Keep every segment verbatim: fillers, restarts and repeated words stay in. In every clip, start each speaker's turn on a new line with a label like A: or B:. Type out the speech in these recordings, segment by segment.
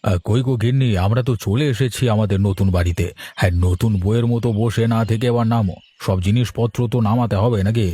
A: আহ, কই গো গিন্নি, আমরা তো চলে এসেছি আমাদের নতুন বাড়িতে। হ্যাঁ, নতুন বইয়ের মতো বসে না থেকে এবার নামো, সব জিনিসপত্র তো নামাতে হবে নাকি?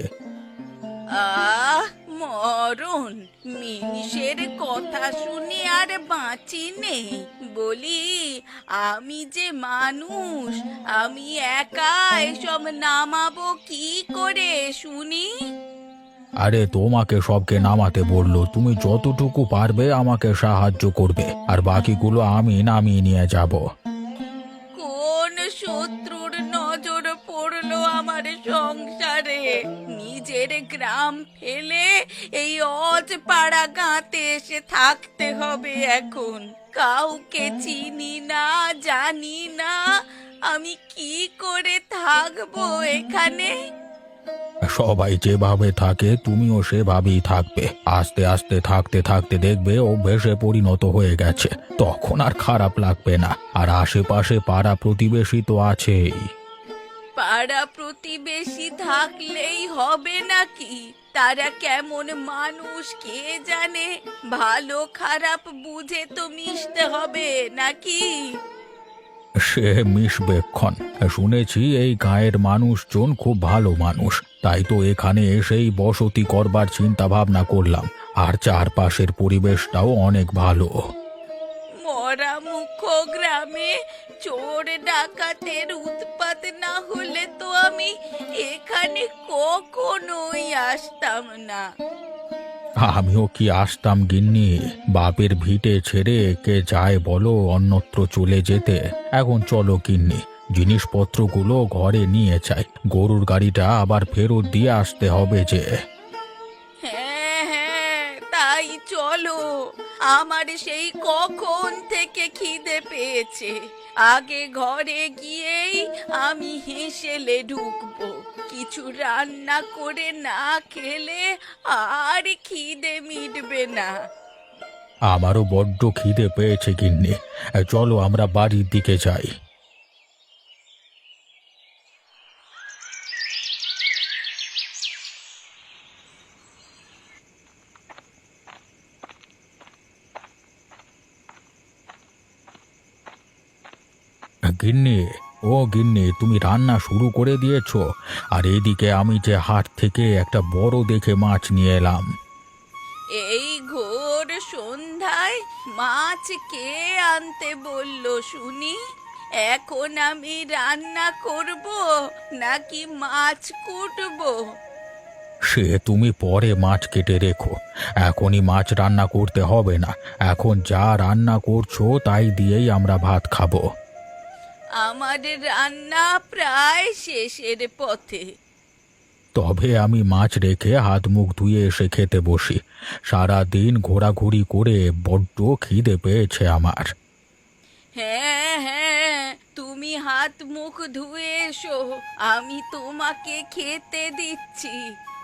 B: আহ মরণ, মিনিষের কথা শুনে আর বাঁচি নেই। বলি, আমি যে মানুষ, আমি একা এসব নামাবো কি করে শুনি?
A: আরে তোমাকে সবকে নামাতে বললো, তুমি যতটুকু পারবে আমাকে সাহায্য করবে, আর বাকিগুলো আমি নামিয়ে নিয়ে যাব।
B: কোন শত্রুর নজর পড়লো আমার সংসারে? নিজের গ্রাম ফেলে এই অজপাড়া গাঁতে এসে থাকতে হবে এখন। কাউকে চিনি না, জানি না, আমি কি করে থাকবো এখানে?
A: সবাই যেভাবে থাকে তুমিও সেভাবেই থাকবে। আস্তে আস্তে থাকতে থাকতে দেখবে অভ্যেসে পরিণত হয়ে গেছে, তখন আর খারাপ লাগবে না। আর আশেপাশে পাড়া প্রতিবেশী তো আছেই।
B: পাড়া প্রতিবেশী থাকলেই হবে নাকি? তারা কেমন মানুষ কে জানে? ভালো খারাপ বুঝে তো মিশতে হবে নাকি?
A: সে মিশবেক্ষণ। শুনেছি এই গাঁয়ের মানুষজন খুব ভালো মানুষ, তাই তো এখানে এসেই বসতি করবার চিন্তা ভাবনা করলাম। আর চারপাশের পরিবেশটাও অনেক ভালো।
B: মরা মুখ গ্রামে চোর ডাকাতের উৎপাত না হলে তো আমি এখানে কখনোই আসতাম না।
A: আমিও কি আসতাম গিন্নি, বাপের ভিটে ছেড়ে কে যায় বলো অন্যত্র চলে যেতে। এখন চলো গিন্নি, জিনিসপত্রগুলো ঘরে নিয়ে যাই, গরুর গাড়িটা আবার ফেরত দিয়ে আসতে হবে যে।
B: হ্যাঁ হ্যাঁ, তাই চলো। আমার সেই কখন থেকে খিদে পেয়েছে। আগে ঘরে গিয়েই আমি হেসেলে ঢুকবো। কিছু রান্না করে না খেলে আর খিদে মিটবে না।
A: আমারও বড্ড খিদে পেয়েছে গিন্নি, চলো আমরা বাড়ির দিকে যাই। গিন্নি, ও গিন্নি, তুমি রান্না শুরু করে দিয়েছো? আর এদিকে আমি যে হাট থেকে একটা বড় দেখে মাছ নিয়ে এলাম।
B: এই ঘোর সন্ধ্যায় মাছ কে আনতে বললো শুনি? এখন আমি রান্না করব নাকি মাছ কুটবো?
A: সে তুমি পরে মাছ কেটে রেখো, এখনই মাছ রান্না করতে হবে না। এখন যা রান্না করছো তাই দিয়েই আমরা ভাত খাবো।
B: আমার রান্না প্রায় শেষের পথে।
A: তবে আমি মাছ রেখে হাত মুখ ধুয়ে এসে খেতে বসি। সারা দিন ঘোরাঘুরি করে বড্ড খিদে পেয়েছে আমার।
B: হ্যাঁ হ্যাঁ, তুমি হাত মুখ ধুয়ে এসো, আমি তোমাকে খেতে দিচ্ছি।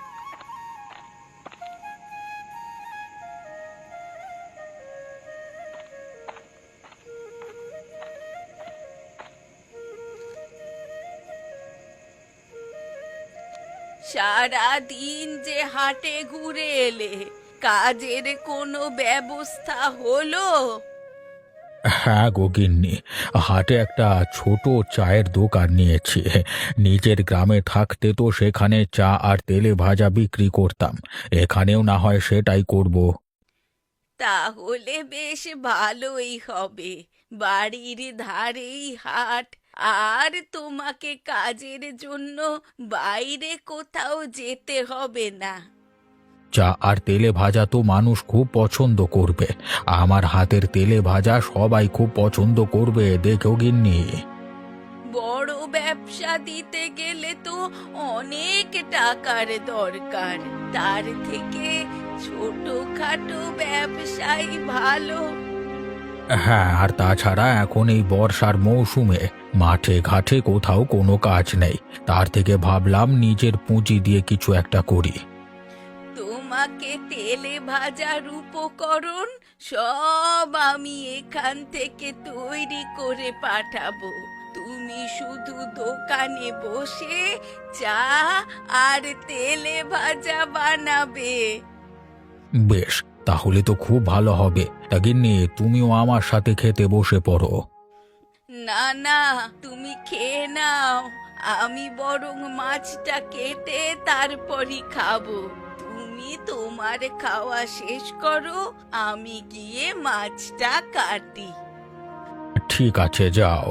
B: সারা দিন যে হাটে ঘুরে এলে, কাজের কোনো ব্যবস্থা হলো?
A: হ্যাঁ গো গিন্নি, হাটে একটা ছোট চায়ের দোকান নিয়েছি। নিজের গ্রামে থাকতে তো সেখানে চা আর তেলে ভাজা বিক্রি করতাম, এখানেও না হয় সেটাই করব।
B: তাহলে বেশ ভালোই হবে। বাড়ির ধারেই হাট, আর তোমাকে কাজের জন্য বাইরে কোথাও যেতে হবে না।
A: চা আর তেলে ভাজা তো মানুষ খুব পছন্দ করবে। আমার হাতের তেলে ভাজা সবাই খুব পছন্দ করবে, দেখো গিন্নি।
B: বড় ব্যবসা দিতে গেলে তো অনেক টাকার দরকার। তার থেকে ছোটখাটো ব্যবসাই ভালো।
A: হ্যাঁ, আর তাছাড়া এখন এই বর্ষার মৌসুমে মাঠে ঘাটে কোথাও কোনো কাজ নেই, তার থেকে ভাবলাম নিজের পুঁজি দিয়ে কিছু একটা করি।
B: তোমাকে তেলে ভাজার উপকরণ সব আমি এখান থেকে তৈরি করে পাঠাবো। তুমি শুধু দোকানে বসে চা আর তেলে ভাজা বানাবে।
A: বেশ, তাহলে তো খুব ভালো হবে। তা গিন্নি, তুমিও আমার সাথে খেতে বসে পড়ো।
B: না না, তুমি খেয়ে নাও, আমি বরং মাছটা কেটে তারপরই খাবো। তুমি তোমার খাওয়া শেষ করো, আমি গিয়ে মাছটা কাটি।
A: ঠিক আছে, যাও।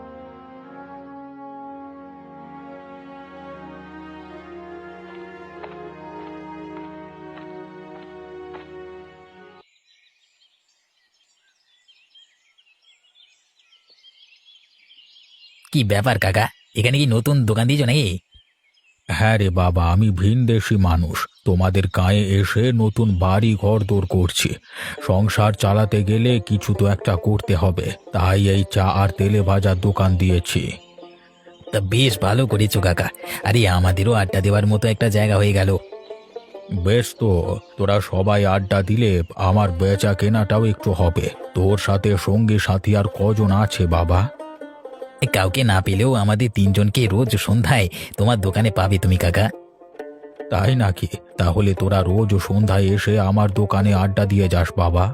C: কি ব্যাপার কাকা? এখানে কি নতুন দোকান দিয়েছো নাকি?
A: হ্যাঁ রে বাবা, আমি ভিনদেশি মানুষ। তোমাদের গাঁয়ে এসে নতুন বাড়ি ঘর দৌড় করছি। সংসার চালাতে গেলে কিছু তো একটা করতে হবে, তাই এই চা আর তেলে ভাজার দোকান দিয়েছি।
C: তা বেশ ভালো করেছো কাকা। আরে আমাদেরও আড্ডা দেওয়ার মতো একটা জায়গা হয়ে গেল।
A: বেশ, তো তোরা সবাই আড্ডা দিলে আমার বেচা কেনাটাও একটু হবে। তোর সাথে সঙ্গী সাথী আর কজন আছে বাবা?
C: এ, কাউকে না পেলেও আমাদের তিনজনকে রোজ সন্ধ্যায় তোমার দোকানে পাবে তুমি কাকা।
A: তাই নাকি? তাহলে তোরা রোজ সন্ধ্যায় এসে আমার দোকানে আড্ডা দিয়ে যাস বাবা।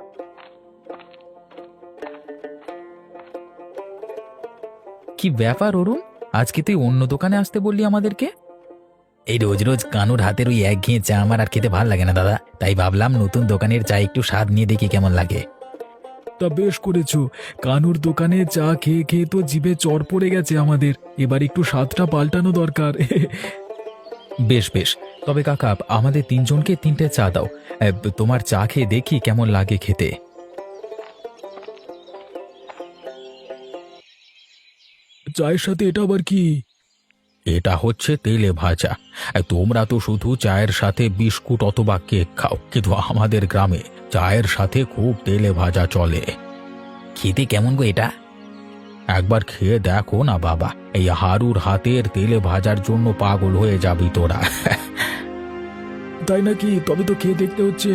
C: কি ব্যাপার অরুণ, আজকে তুই অন্য দোকানে আসতে বললি আমাদেরকে? এই রোজ রোজ কানুর হাতের ওই একঘেয়ে চা আমার আর খেতে ভালো লাগে না দাদা, তাই ভাবলাম নতুন দোকানের চা একটু স্বাদ নিয়ে দেখি কেমন লাগে।
D: তা বেশ করেছো। কানুর দোকানে চা খেয়ে খেয়ে তো জিভে চড় পড়ে গেছে আমাদের। এবার একটু স্বাদটা পাল্টানো দরকার।
A: বেশ বেশ, তবে কাকা আমাদের তিনজনকে তিনটে চা দাও। এ, তোমার চা খেয়ে দেখি কেমন লাগে খেতে।
D: চায়ের সাথে এটা আবার কি?
A: এটা হচ্ছে তেলে ভাজা। এ, তোমরা তো শুধু চায়ের সাথে বিস্কুট অথবা কেক খাও, কিন্তু আমাদের গ্রামে চায়ের সাথে খুব তেলে ভাজা চলে।
C: খেতে কেমন গো এটা?
A: একবার খেয়ে দেখো না বাবা, এই হারুর হাতের তেলে ভাজার জন্য পাগল হয়ে যাবি তোরা।
D: তাই নাকি? তবে তো খেয়ে দেখতে হচ্ছে।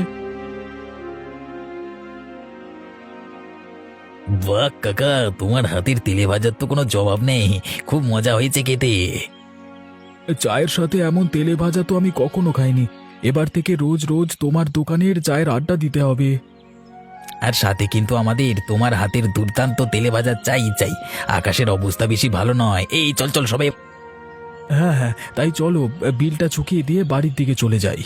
C: বাহ কাকা, তোমার হাতের তেলে ভাজার তো কোনো জবাব নেই। খুব মজা হয়েছে খেতে।
D: চায়ের সাথে এমন তেলে ভাজা তো আমি কখনো খাইনি। এবার থেকে রোজ রোজ তোমার দোকানের চায়ের আড্ডা দিতে হবে।
C: আর সাথে কিন্তু আমাদের তোমার হাতের দুর্দান্ত তেলে ভাজা চাই চাই। আকাশের অবস্থা বেশি ভালো নয়। এই চল চল সবাই।
D: হ্যাঁ হ্যাঁ, তাই চলো বিলটা চুকিয়ে দিয়ে বাড়ির দিকে চলে যাই।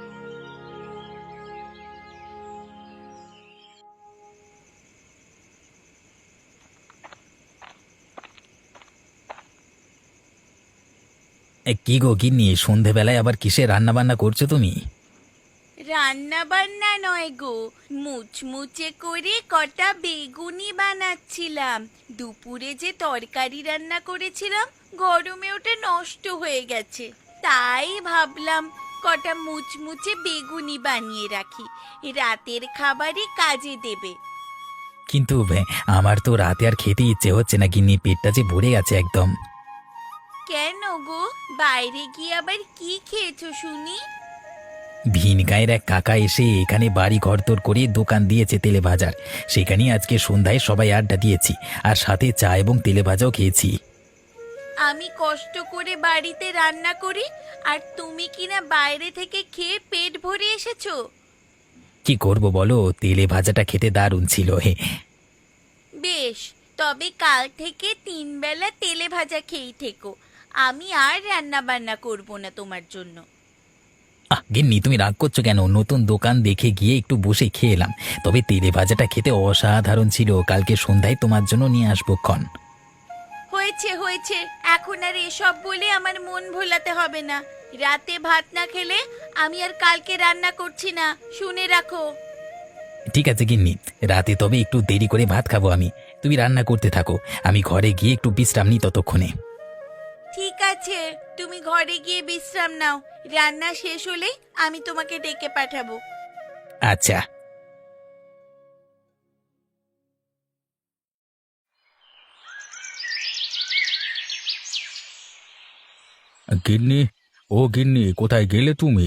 C: এ, কি গো গিন্নি, সন্ধেবেলায় আবার কিসে রান্না বান্না করছো তুমি?
B: রান্না বান্না নয় গো, মুচমুচে করে কটা বেগুনি বানাচ্ছিলাম। দুপুরে যে তরকারি রান্না করেছিলাম, গরমে ওটা নষ্ট হয়ে গেছে, তাই ভাবলাম কটা মুচমুচে বেগুনি বানিয়ে রাখি, রাতের খাবারই কাজে দেবে।
C: কিন্তু বে, আমার তো রাতে আর খেতে ইচ্ছে হচ্ছে না গিন্নি, পেটটা যে ভরে গেছে একদম।
B: কেন গো, বাইরে গিয়ে আবার কি খেয়েছো শুনি?
C: ভিন গাঁয়ের এক কাকা এসে এখানে বাড়ি ঘরদোর করে দোকান দিয়েছে তেলে ভাজার। সেখানেই আজকে সন্ধ্যায় সবাই আড্ডা দিয়েছি, আর সাথে চা এবং তেলে ভাজাও খেয়েছি।
B: আমি কষ্ট করে বাড়িতে রান্না করি, আর তুমি কিনা বাইরে থেকে খেয়ে পেট ভরে এসেছো।
C: কি করব বলো, তেলে ভাজাটা খেতে দারুণ ছিল। হে,
B: বেশ, তবে কাল থেকে তিন বেলা তেলে ভাজা খেয়েই থেকো। আমি আর রান্না বান্না করব না তোমার জন্য।
C: আহ গিন্নি, তুমি রাগ করছো কেন? নতুন দোকান দেখে গিয়ে একটু বসে খেয়ে এলাম, তবে তেলে ভাজাটা খেতে অসাধারণ ছিল। কালকে সন্ধ্যায় তোমার জন্য নিয়ে আসবো ক্ষণ।
B: হয়েছে হয়েছে, এখন আর এসব বলে আমার মন ভোলাতে হবে না। রাতে ভাত না খেলে আমি আর কালকে রান্না করছি না, শুনে রাখো।
C: ঠিক আছে গিন্নি, রাতে তবে একটু দেরি করে ভাত খাবো আমি। তুমি রান্না করতে থাকো, আমি ঘরে গিয়ে একটু বিশ্রাম নিই ততক্ষণে।
B: ঠিক আছে, তুমি ঘরে গিয়ে বিশ্রাম নাও। রান্না শেষ হলে আমি তোমাকে ডেকে পাঠাবো।
C: আচ্ছা।
A: গিন্নি, ও গিন্নি, কোথায় গেলে তুমি?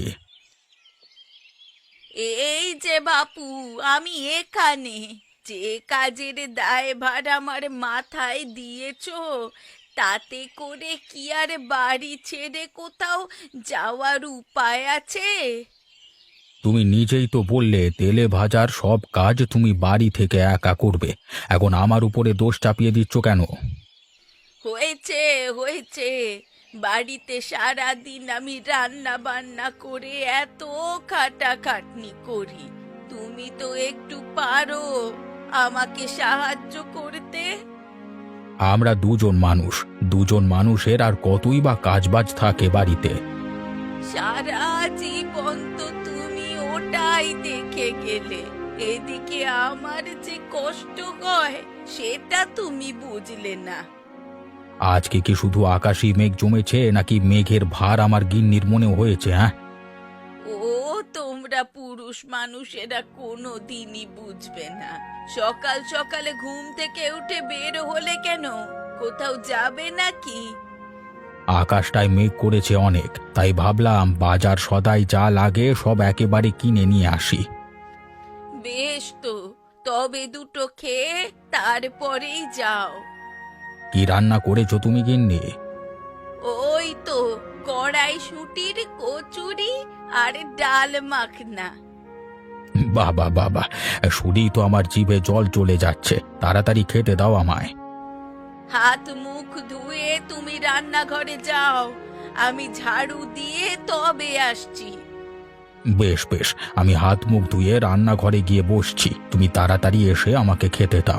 B: এই যে বাপু, আমি এখানে। যে কাজের দায়ভার আমার মাথায় দিয়েছো, তাতে করে কি আর বাড়ি ছেড়ে কোথাও যাওয়ার উপায় আছে?
A: তুমি নিজেই তো বললে তেলে ভাজার সব কাজ তুমি বাড়ি থেকে একা করবে। এখন আমার উপরে দোষ চাপিয়ে দিচ্ছ কেন?
B: হয়েছে হয়েছে, বাড়িতে সারা দিন আমি রান্না বান্না করে এত খাটাখাটনি করি, তুমি তো একটু পারো আমাকে সাহায্য করতে।
A: আমরা দুজন মানুষ, দুজন মানুষের আর কতই বা কাজবাজ থাকে বাড়িতে।
B: সারা জীবন তো তুমি ওটাই দেখে গেলে, এদিকে আমার যে কষ্ট হয় সেটা তুমি বুঝলে না।
A: আজকে কি শুধু আকাশী মেঘ জমেছে নাকি মেঘের ভার আমার গিন্নির মনে হয়েছে? হ্যাঁ,
B: ও তোমরা পুরুষ মানুষেরা কোনো দিনই বুঝবে না। সকাল সকালে ঘুম থেকে উঠে বের হলে কেন, কোথাও যাবে নাকি?
A: আকাশটায় মেঘ করেছে অনেক, তাই ভাবলাম বাজার সদাই যা লাগে সব একেবারে কিনে নিয়ে আসি।
B: বেশ তো, তবে দুটো খেয়ে তারপরেই যাও।
A: কি রান্না করেছো তুমি গিন্নি?
B: ওই তো কড়াইশুঁটির কচুরি আর ডাল মাখনা।
A: বাবা বাবা, শুনি তো আমার জিভে জল চলে যাচ্ছে। তাড়াতাড়ি খেতে দাও আমায়।
B: হাত মুখ ধুয়ে তুমি রান্নাঘরে যাও, আমি ঝাড়ু দিয়ে তবে আসছি।
A: বেশ বেশ, আমি হাত মুখ ধুয়ে রান্নাঘরে গিয়ে বসছি, তুমি তাড়াতাড়ি এসে আমাকে খেতে দাও।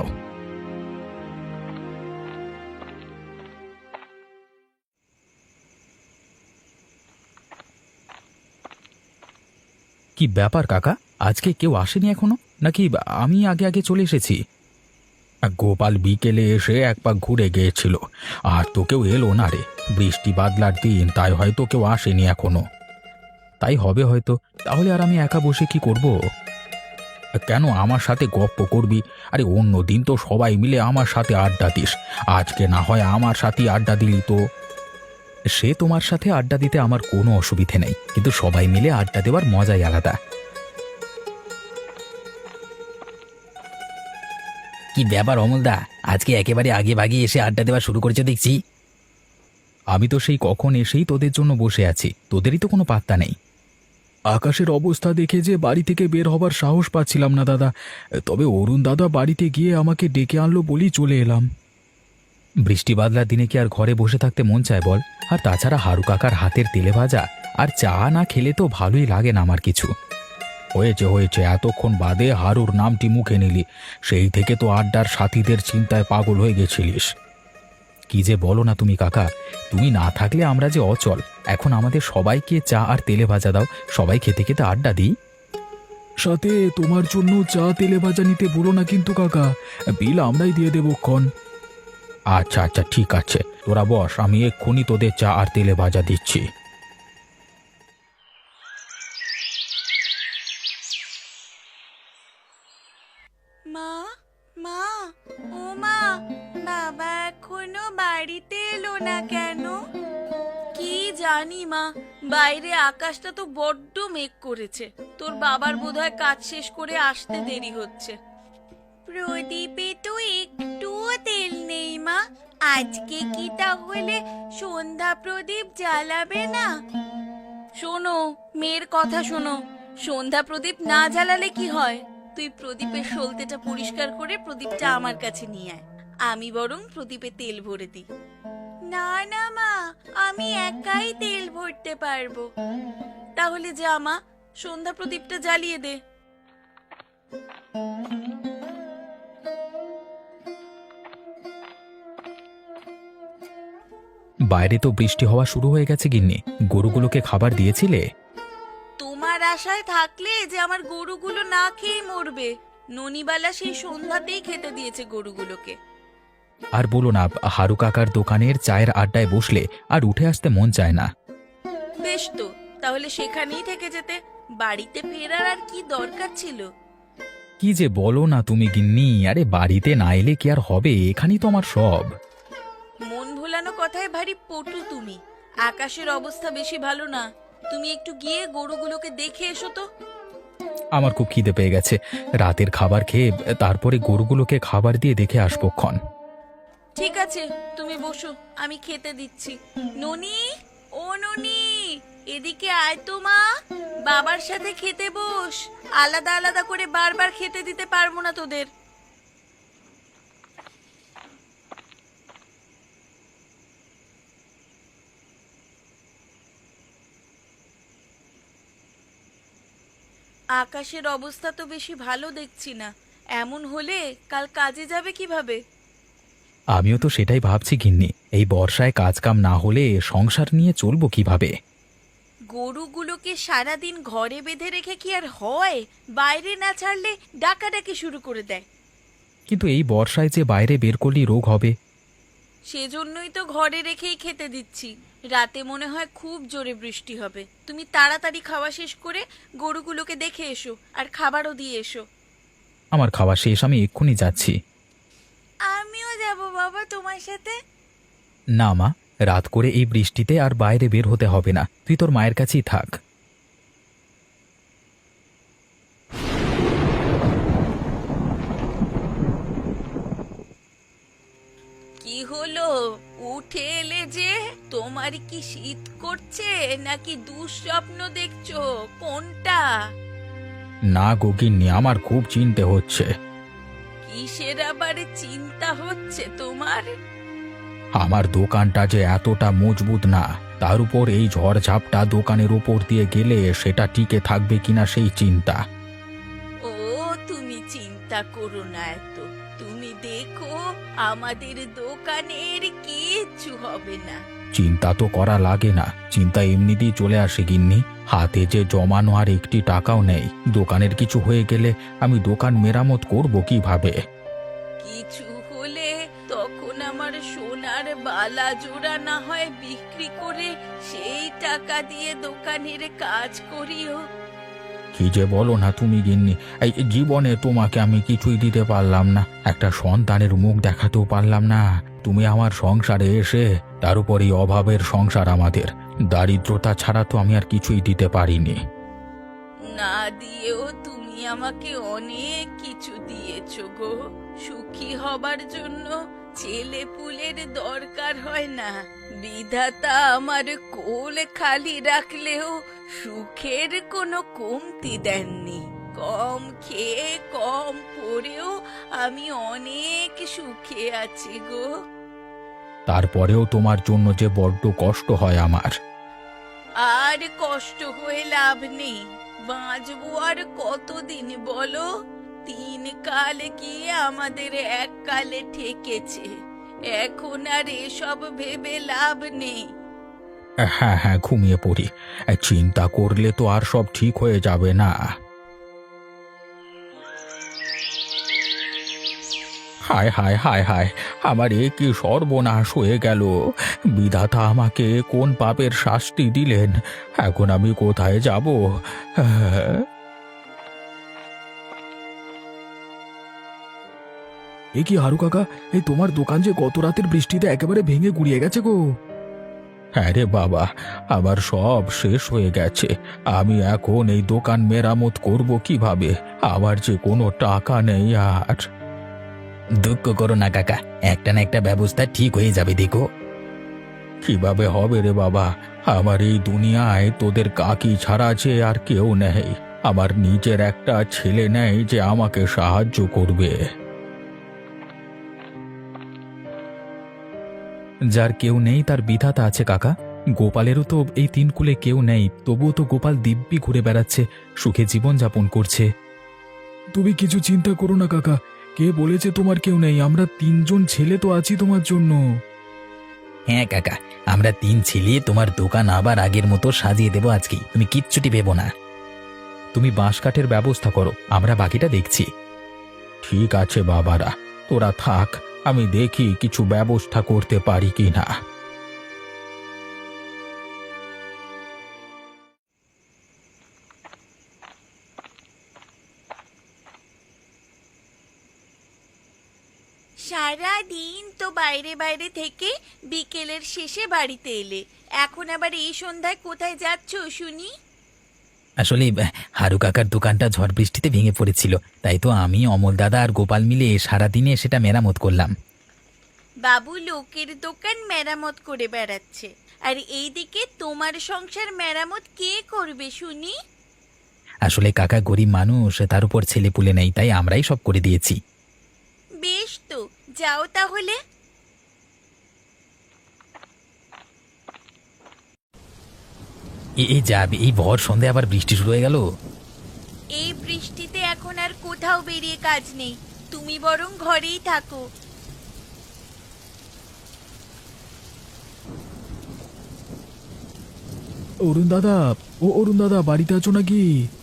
C: কি ব্যাপার কাকা, আজকে কেউ আসেনি এখনো, নাকি আমি আগে আগে চলে এসেছি?
A: গোপাল বিকেলে এসে এক পাক ঘুরে গিয়েছিল, আর তো কেউ এলো না রে। বৃষ্টি বাদলার দিন, তাই হয়তো কেউ আসেনি এখনো।
C: তাই হবে হয়তো। তাহলে আর আমি একা বসে কি করব?
A: কেন আমার সাথে গপ্প করবি? আরে অন্য দিন তো সবাই মিলে আমার সাথে আড্ডা দিস, আজকে না হয় আমার সাথে আড্ডা দিলি তো।
C: সে তোমার সাথে আড্ডা দিতে আমার কোনো অসুবিধে নেই, কিন্তু সবাই মিলে আড্ডা দেওয়ার মজাই আলাদা। কি ব্যাপার অমলদা, আজকে একেবারে আগে ভাগে এসে আড্ডা দেওয়া শুরু করেছে দেখছি। আমি তো সেই কখন এসেই তোদের জন্য বসে আছি, তোদেরই তো কোনো পাত্তা নেই।
D: আকাশের অবস্থা দেখে যে বাড়ি থেকে বের হবার সাহস পাচ্ছিলাম না দাদা, তবে অরুণ দাদা বাড়িতে গিয়ে আমাকে ডেকে আনলো বলেই চলে এলাম।
C: বৃষ্টি বাদলার দিনে কি আর ঘরে বসে থাকতে মন চায় বল? আর তাছাড়া হারু কাকার হাতের তেলে ভাজা আর চা না খেলে তো ভালোই লাগে না আমার কিছু।
A: হয়েছে হয়েছে, এতক্ষণ বাদে হারুর নামটি মুখে নিলি, সেই থেকে তো আড্ডার সাথীদের চিন্তায় পাগল হয়ে গেছিলিস।
C: কি যে বলো না তুমি কাকা, তুমি না থাকলে আমরা যে অচল। এখন আমাদের সবাইকে চা আর তেলে ভাজা দাও, সবাই খেতে খেতে আড্ডা দিই।
D: সাথে তোমার জন্য চা তেলে ভাজা নিতে বলো না কিন্তু কাকা, বিল আমরাই দিয়ে দেবো ক্ষণ।
A: আচ্ছা আচ্ছা ঠিক আছে, তোরা বস, আমি এক্ষুনি তোদের চা আর তেলে ভাজা দিচ্ছি।
B: মা মা ও মা, বাবা এখনো বাড়িতে এলো না কেন? কি জানি মা, বাইরে আকাশটা তো বড্ড মেঘ করেছে। তোর বাবার বোধহয় কাজ শেষ করে আসতে দেরি হচ্ছে। প্রদীপে তো একটুও তেল নেই মা, আজকে কি তাহলে সন্ধ্যা প্রদীপ জ্বালাবে না? শোনো, মেয়ের কথা শোনো, সন্ধ্যা প্রদীপ না জ্বালালে কি হয়? তুই প্রদীপের সলতেটা পরিষ্কার করে প্রদীপটা আমার কাছে নিয়ে আয়, আমি বরং প্রদীপে তেল ভরে দিই। না না মা, আমি একাই তেল ভরতে পারবো। তাহলে যা মা, সন্ধ্যা প্রদীপটা জ্বালিয়ে দে।
C: বাইরে তো বৃষ্টি হওয়া শুরু হয়ে গেছে গিন্নি, গরুগুলোকে খাবার দিয়েছিলে?
B: তোমার আশায় থাকলে যে আমার গরুগুলো না খেয়ে মরবে। ননিবালা সেই সন্ধ্যাতেই খেতে দিয়েছে গরুগুলোকে।
C: আর বলো না, হারু কাকার দোকানের চায়ের আড্ডায় বসলে আর উঠে আসতে মন চায় না।
B: বেশ তো, তাহলে সেখানেই থেকে যেতে, বাড়িতে ফেরার আর কি দরকার ছিল?
C: কি যে বলো না তুমি গিন্নি, আরে বাড়িতে না এলে কি আর হবে, এখানেই তো আমার সব।
B: মন ভোলানো কথায় ভারী পটু তুমি। আকাশের অবস্থা বেশি ভালো না, তুমি একটু গিয়ে গরুগুলোকে দেখে এসো তো।
C: আমার খুব খিদে পেয়ে গেছে, রাতের খাবার খেয়ে তারপরে গরুগুলোকে খাবার দিয়ে দেখে আসবো ক্ষণ।
B: ঠিক আছে, তুমি বসো, আমি খেতে দিচ্ছি। ননি, ও ননি, এদিকে আয় তো মা, বাবার সাথে খেতে বস। আলাদা আলাদা করে বারবার খেতে দিতে পারবো না তোদের। আকাশের অবস্থা তো বেশি ভালো দেখছি না। এমন হলে কাল কাজে যাবে কিভাবে?
C: আমিও তো সেটাই ভাবছি গিন্নি, এই বর্ষায় কাজ কাম না হলে সংসার নিয়ে চলবো কিভাবে?
B: গরুগুলোকে সারাদিন ঘরে বেঁধে রেখে কি আর হয়? বাইরে না ছাড়লে ডাকাডাকি শুরু করে দেয়।
C: কিন্তু এই বর্ষায় যে বাইরে বের করলেই রোগ হবে।
B: সেজন্যই তো ঘরে রেখেই খেতে দিচ্ছি। রাতে মনে হয় খুব জোরে বৃষ্টি হবে। তুমি তাড়াতাড়ি খাওয়া শেষ করে গরুগুলোকে দেখে এসো, আর খাবারও দিয়ে এসো।
C: আমার খাওয়া শেষ, আমি এক্ষুনি যাচ্ছি।
B: আমিও যাব বাবা তোমার সাথে।
C: না মা, রাত করে এই বৃষ্টিতে আর বাইরে বের হতে হবে না, তুই তোর মায়ের কাছেই থাক।
B: কি হলো, উঠে এলে যে? তোমার কি শীত করছে নাকি দুঃস্বপ্ন দেখছো? কোনটা?
A: না গো গিন্নি, আমার খুব চিন্তা হচ্ছে।
B: কিসের আবার চিন্তা হচ্ছে তোমার?
A: আমার দোকানটা যে এতটা মজবুত না, তার উপর এই ঝড়ঝাপটা দোকানের উপর দিয়ে গেলে সেটা টিকে থাকবে কিনা সেই চিন্তা।
B: ও, তুমি চিন্তা করো না এত। তুমি দেখো, আমাদের দোকানের কিচ্ছু হবে না।
A: চিন্তা তো করা লাগে না, চিন্তা এমনিতেই চলে আসে গিন্নি। হাতে যে জমানো আর একটি টাকাও নেই, দোকানের কিছু হয়ে গেলে আমি দোকান মেরামত করব কিভাবে?
B: কিছু হলে তখন আমার সোনার বালা জোড়া না হয় বিক্রি করে সেই টাকা দিয়ে দোকানের কাজ করিও।
A: কি যে বলো না তুমি গিন্নি, এই জীবনে তোমাকে আমি কিছুই দিতে পারলাম না, একটা সন্তানের মুখ দেখাতেও পারলাম না। তুমি আমার সংসারে এসে, তার উপর এই অভাবের সংসার আমাদের, দারিদ্রতা ছাড়া তো আমি আর কিছুই দিতে পারিনি।
B: না দিয়েও তুমি আমাকে অনেক কিছু দিয়েছো গো। সুখী হবার জন্য ছেলে পুলের দরকার হয় না। বিধাতা আমার কোল খালি রাখলেও সুখের কোনো কমতি দেননি। কম খেয়ে কম পরেও আমি অনেক সুখে আছি গো।
A: তারপরেও তোমার জন্য যে বড্ড কষ্ট হয় আমার।
B: আর কষ্ট হয়ে লাভ নেই। বাঁচবো আর কতদিন বলো? তিন কাল গিয়ে আমাদের এক কালে ঠেকেছে। এখন আর এসব ভেবে লাভ নেই।
A: হ্যাঁ হ্যাঁ, ঘুমিয়ে পড়ি। চিন্তা করলে তো আর সব ঠিক হয়ে যাবে না। হায় হায় হায় হায়, আমার এ কি সর্বনাশ হয়ে গেল! বিধাতা আমাকে কোন পাপের শাস্তি দিলেন! এখন আমি কোথায় যাব?
D: এ কি হারু কাকা, এই তোমার দোকান যে গত রাতের বৃষ্টিতে একেবারে ভেঙে গুড়িয়ে গেছে গো।
A: হ্যাঁ রে বাবা, আমার সব শেষ হয়ে গেছে। আমি এখন এই দোকান মেরামত করব কিভাবে? আমার যে কোনো টাকা নেই আর।
C: দুঃখ করো না কাকা, একটা না একটা ব্যবস্থা ঠিক হয়ে যাবে, দেখো।
A: কিভাবে হবে রে বাবা? আমার এই দুনিয়ায় তোদের কাকি ছাড়া যে আর কেউ নেই। আমার নিজের একটা ছেলে নেই যে আমাকে সাহায্য করবে।
C: যার কেউ নেই তার বিধাতা আছে কাকা। গোপালেরও তো এই তিন কুলে কেউ নেই, তবুও তো গোপাল দিব্যি ঘুরে বেড়াচ্ছে, সুখে জীবন যাপন করছে।
D: তুমি কিছু চিন্তা করো না কাকা, কে বলেছে তোমার কেউ নেই? আমরা তিনজন ছেলে তো আছি তোমার জন্য।
C: হ্যাঁ কাকা, আমরা তিন ছেলে তোমার দোকান আবার আগের মতো সাজিয়ে দেবো আজকেই, তুমি কিচ্ছুটি ভেবো না। তুমি বাঁশ কাঠের ব্যবস্থা করো, আমরা বাকিটা দেখছি।
A: ঠিক আছে বাবারা, তোরা থাক, আমি দেখি কিছু ব্যবস্থা করতে পারি কিনা।
B: সারা দিন তো বাইরে বাইরে থেকে বিকেলের শেষে বাড়িতে এলে, এখন আবার এই সন্ধ্যায় কোথায় যাচ্ছ শুনি?
C: আসলে আহ, হারু কাকার দোকানটা ঝড় বৃষ্টিতে ভেঙে পড়েছিল, তাই তো আমি, অমল দাদা আর গোপাল মিলে সারাদিনে সেটা মেরামত করলাম।
B: বাবু লোকের দোকান মেরামত করে বেড়াচ্ছে, আর এইদিকে তোমার সংসার মেরামত কে করবে শুনি?
C: আসলে কাকা গরিব মানুষ, তার উপর ছেলে পুলে নেই, তাই আমরাই সব করে দিয়েছি।
B: বেশ তো, যাও তাহলে।
C: এ- এই যাবে, এই ভর সন্ধে আবার বৃষ্টি শুরু হয়ে গেল।
B: এই বৃষ্টিতে এখন আর কোথাও বেরিয়ে কাজ নেই, তুমি বরং ঘরেই থাকো।
D: অরুণ দাদা, ও অরুণ দাদা, বাড়িতে আছো নাকি?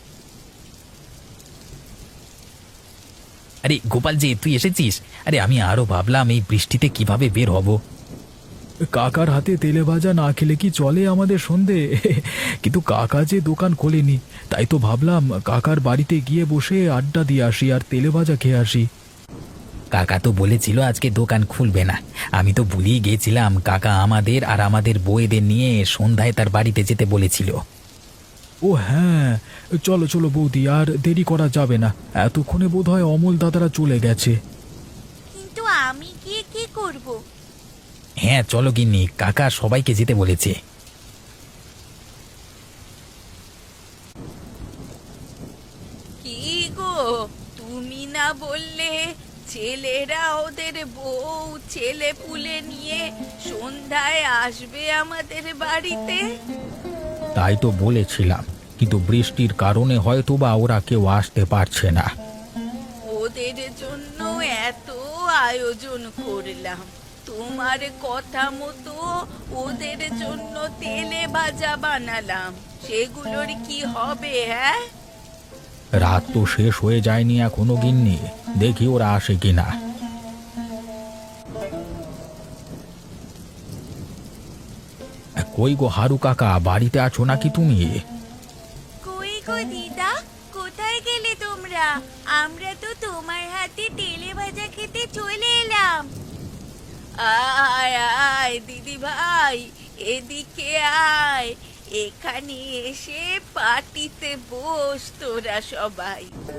C: আরে গোপাল যে, তুই এসেছিস? আরে আমি আরো ভাবলাম এই বৃষ্টিতে কিভাবে বের হব।
D: কাকার হাতে তেলে ভাজা না খেলে কি চলে আমাদের সন্ধে? কিন্তু কাকা যে দোকান খোলেনি, তাই তো ভাবলাম কাকার বাড়িতে গিয়ে বসে আড্ডা দিয়ে আসি আর তেলে ভাজা খেয়ে আসি।
C: কাকা তো বলেছিল আজকে দোকান খুলবে না। আমি তো ভুলিয়ে গিয়েছিলাম, কাকা আমাদের আর আমাদের বউয়েদের নিয়ে সন্ধ্যায় তার বাড়িতে যেতে বলেছিল।
D: ও হ্যাঁ, চলো চলো বৌদি, আর দেরি করা যাবে না, এতক্ষণে বোধহয় অমল দাদারা চলে গেছে।
B: কিন্তু আমি গিয়ে কি করব?
C: হ্যাঁ চলো গিন্নি, কাকা সবাইকে যেতে বলেছে।
B: কি গো, তুমি না বললে ছেলেরা ওদের বউ ছেলে পুলে নিয়ে সন্ধ্যায় আসবে আমাদের বাড়িতে?
A: তাই তো বলেছিলাম, কিন্তু বৃষ্টির কারণে হয়তো বা ওরা কেউ আসতে পারছে না।
B: ওদের জন্য এত আয়োজন করলাম, তোমার কথা মতো ওদের জন্য তেলে ভাজা বানালাম, সেগুলোর কি হবে? হ্যাঁ,
A: রাত তো শেষ হয়ে যায়নি এখনো গিন্নি, দেখি ওরা আসে কিনা। কই গো হারু কাকা, বাড়িতে আছো নাকি তুমি?
B: কই গো দিদা, কোথায় গেলে তোমরা? আমরা তো তোমার হাতে তেলে ভাজা খেতে চলে এলাম। আয় আয় দিদি ভাই, এদিকে আয়, এখানে এসে পার্টিতে বস তোরা সবাই।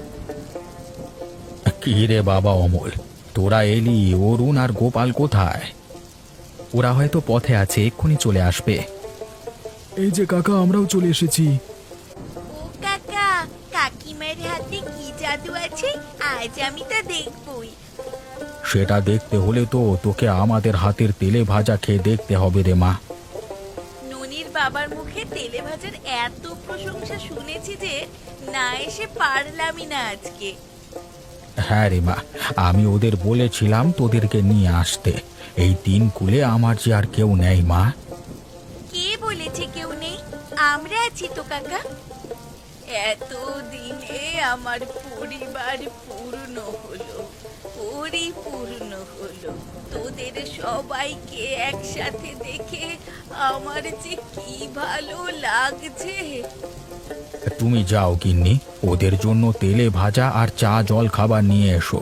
A: কি রে বাবা অমল, তোরা এলি, অরুণ আর গোপাল কোথায়?
C: ওরা হয়তো পথে আছে, এক্ষুনি চলে আসবে।
D: এই যে কাকা, আমরাও চলে এসেছি।
B: ও কাকা, কাকিমার হাতে কি জাদু আছে আজ আমি তা দেখবই।
A: সেটা দেখতে হলে তো তোকে আমাদের হাতের তেলে ভাজা খেয়ে দেখতে হবে রে মা।
B: ননির বাবার মুখে তেলে ভাজার এত প্রশংসা শুনেছি যে না এসে পারলামই না আজকে।
A: হ্যাঁ রে মা, আমি ওদের বলেছিলাম তোদেরকে নিয়ে আসতে। এই তিন কুলে আমার যে আর কেউ নেই মা।
B: কে বলেছে কেউ নেই? আমরা আছি তো কাকা। এত দিনে আমার পরিবার পূর্ণ হলো, পরিপূর্ণ হলো। তোদের সবাইকে একসাথে দেখে আমার যে কি ভালো লাগছে।
A: তুমি যাও গিন্নি, ওদের জন্য তেলে ভাজা আর চা জল খাবার নিয়ে এসো।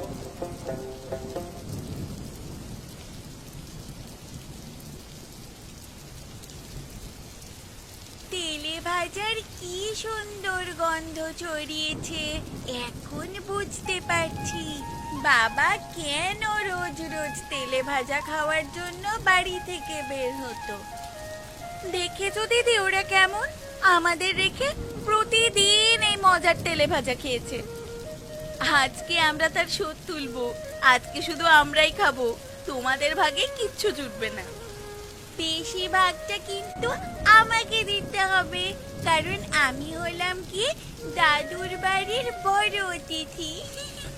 B: তেলে ভাজার কি সুন্দর গন্ধ ছড়িয়েছে, এখন বুঝতে পারছি বাবা কেন রোজ রোজ তেলে ভাজা খাওয়ার জন্য বাড়ি থেকে বের হতো। দেখেছো দিদি ওরা কেমন আমাদের রেখে প্রতিদিন এই মজার তেলে ভাজা খেয়েছে। আজকে আমরা তার শোধ তুলবো, আজকে শুধু আমরাই খাবো, তোমাদের ভাগে কিচ্ছু জুটবে না। বেশিরভাগটা কিন্তু আমাকে দিতে হবে, কারণ আমি হলাম কি দাদুর বাড়ির বড় অতিথি।